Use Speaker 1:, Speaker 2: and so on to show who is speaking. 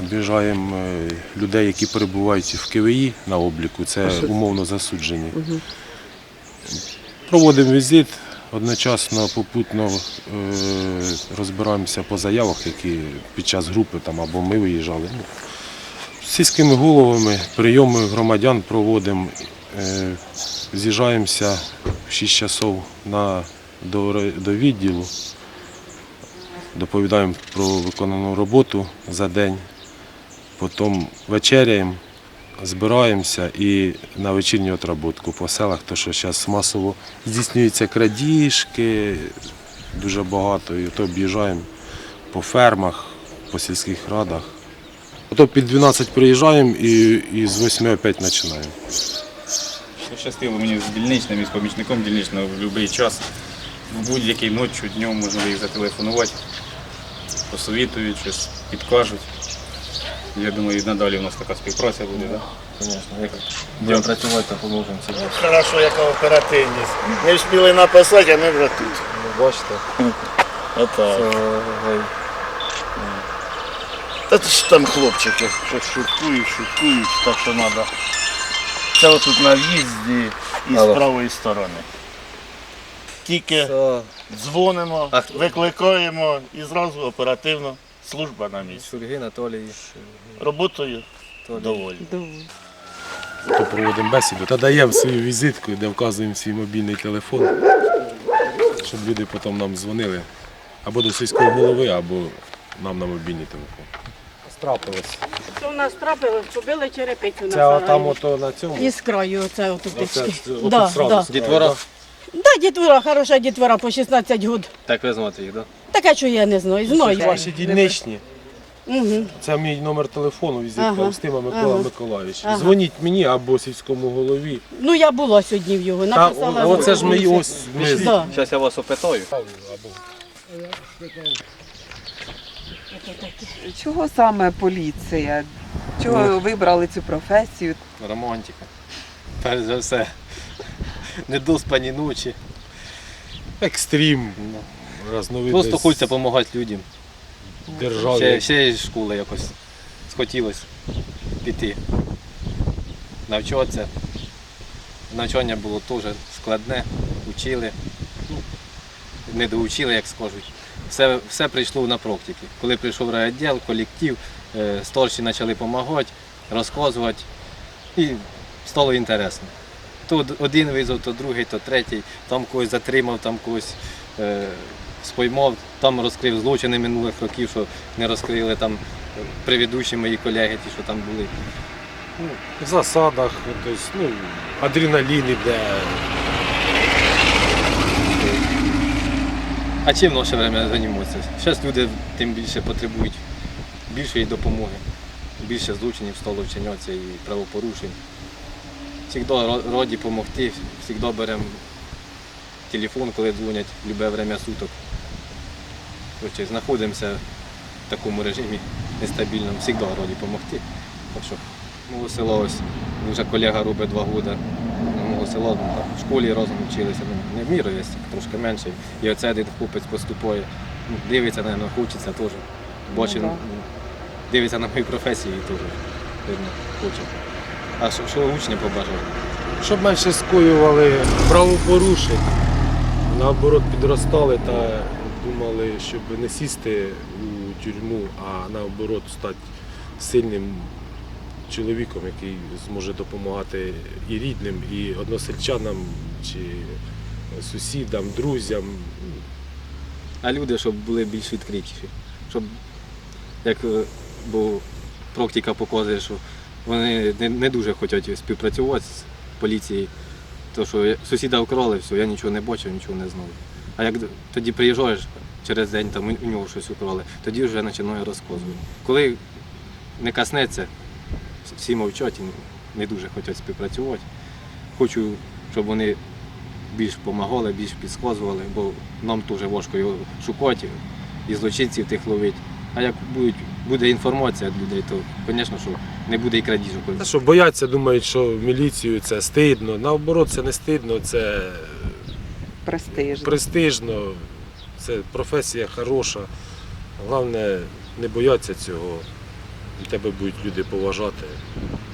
Speaker 1: об'їжджаємо людей, які перебувають в КВІ на обліку, це умовно засуджені. Проводимо візит, одночасно попутно розбираємося по заявах, які під час групи або ми виїжджали. З сільськими головами прийоми громадян проводимо, з'їжджаємося в 6 часов до відділу, доповідаємо про виконану роботу за день, потім вечеряємо, збираємося і на вечірню отработку по селах, тому що зараз масово здійснюються крадіжки, дуже багато, і то об'їжджаємо по фермах, по сільських радах. Ото під 12 приїжджаємо і з 8 опять починаємо.
Speaker 2: Пощастило мені з дільничним і з помічником дільничного в будь-який час, в будь-який ночі, днем можна їх зателефонувати, посовітують, щось підкажуть. Я думаю, і надалі у нас така співпраця буде. Так?
Speaker 3: Звісно, як будемо працювати, то поможемо собі.
Speaker 4: Хорошо, яка оперативність. Не встигли написати, а ми вже тут.
Speaker 3: Бачите?
Speaker 4: Отак. Та це ж там хлопчики, щось шуткують, так що треба. Це отут на в'їзді і з правої сторони. Тільки дзвонимо, викликаємо і зразу оперативно служба на місці.
Speaker 3: Шульги, Анатолій.
Speaker 4: Роботою доволі.
Speaker 1: То проводимо бесіду та даємо свою візитку, де вказуємо свій мобільний телефон, щоб люди потім нам дзвонили або до сільського голови, або нам на мобільний телефон. Страпилось.
Speaker 5: Це у нас трапилось, побили черепицю на
Speaker 1: Це
Speaker 5: сараї.
Speaker 1: там ото на цьому?
Speaker 5: І з краю оце отут.
Speaker 1: Да, да.
Speaker 3: Дітвора?
Speaker 5: Да, дітвора, хороша дітвора по 16 років.
Speaker 3: Так ви знаєте їх, так?
Speaker 5: Таке, що я не знаю. Знаю.
Speaker 1: Ваші дільничні.
Speaker 5: Угу.
Speaker 1: Це мій номер телефону, візитка
Speaker 5: Ага.
Speaker 1: Устима Микола Миколаївич.
Speaker 5: Ага.
Speaker 1: Дзвоніть мені або сільському голові.
Speaker 5: Ну, я була сьогодні в його,
Speaker 1: Та,
Speaker 5: написала.
Speaker 1: оце ж ми ось.
Speaker 5: Да.
Speaker 3: Зараз я вас опитаю.
Speaker 6: Чого саме поліція? Чого ви вибрали цю професію?
Speaker 3: Романтика. Перш за все. Недоспані ночі.
Speaker 1: Екстрім. Разновидність
Speaker 3: Просто хочеться допомагати людям.
Speaker 1: державі.
Speaker 3: Ще із школи якось схотілося піти. Навчатися. Навчання було теж складне, учили. Не доучили, як скажуть. Все прийшло на практиці. Коли прийшов райвідділ, колектив, старші почали допомагати, розказувати. І стало інтересно. То один визвав, то другий, то третій. Там когось затримав, там когось споймав, там розкрив злочини минулих років, що не розкрили там предыдущі мої колеги, ті, що там були.
Speaker 1: В засадах, тобто, адреналін іде.
Speaker 3: А чим в наше время займатися? Зараз люди тим більше потребують більшої допомоги, більше злочинів стало вчинятися і правопорушень. Завжди раді допомогти, завжди беремо телефон, коли дзвонять, в будь-яке время суток. Короче, знаходимося в такому режимі нестабільному, завжди раді допомогти. Так що мого села ось, вже колега робить 2 роки. Мого села в школі разом вчилися, не в міру є, трошки менше. І оце один хлопець поступає, дивиться, мабуть, хочеться теж. Бачить, дивиться на мою професію і теж, видно, хоче. А що учням побажав?
Speaker 1: Щоб менше скоювали правопорушень, наоборот підростали та думали, щоб не сісти у тюрму, а наоборот стати сильним чоловіком, який зможе допомагати і рідним, і односельчанам, чи сусідам, друзям.
Speaker 3: А люди, щоб були більш відкритіші. Щоб, як бо практика показує, що вони не дуже хочуть співпрацювати з поліцією. Тому що сусіда вкрали, все, я нічого не бачив, нічого не знав. А як тоді приїжджаєш через день, там у нього щось украли, тоді вже починаю розказувати. Коли не коснеться, всі мовчать і не дуже хочуть співпрацювати. Хочу, щоб вони більш допомагали, більш підказували, бо нам теж важко його шукати і злочинців тих ловити. А як буде інформація від людей, то, звісно, що не буде і крадіжок.
Speaker 1: Що бояться, думають, що в міліцію це стидно. Наоборот, це не стидно, це престижно, це професія хороша. Головне, не бояться цього. і тебе будуть люди поважати.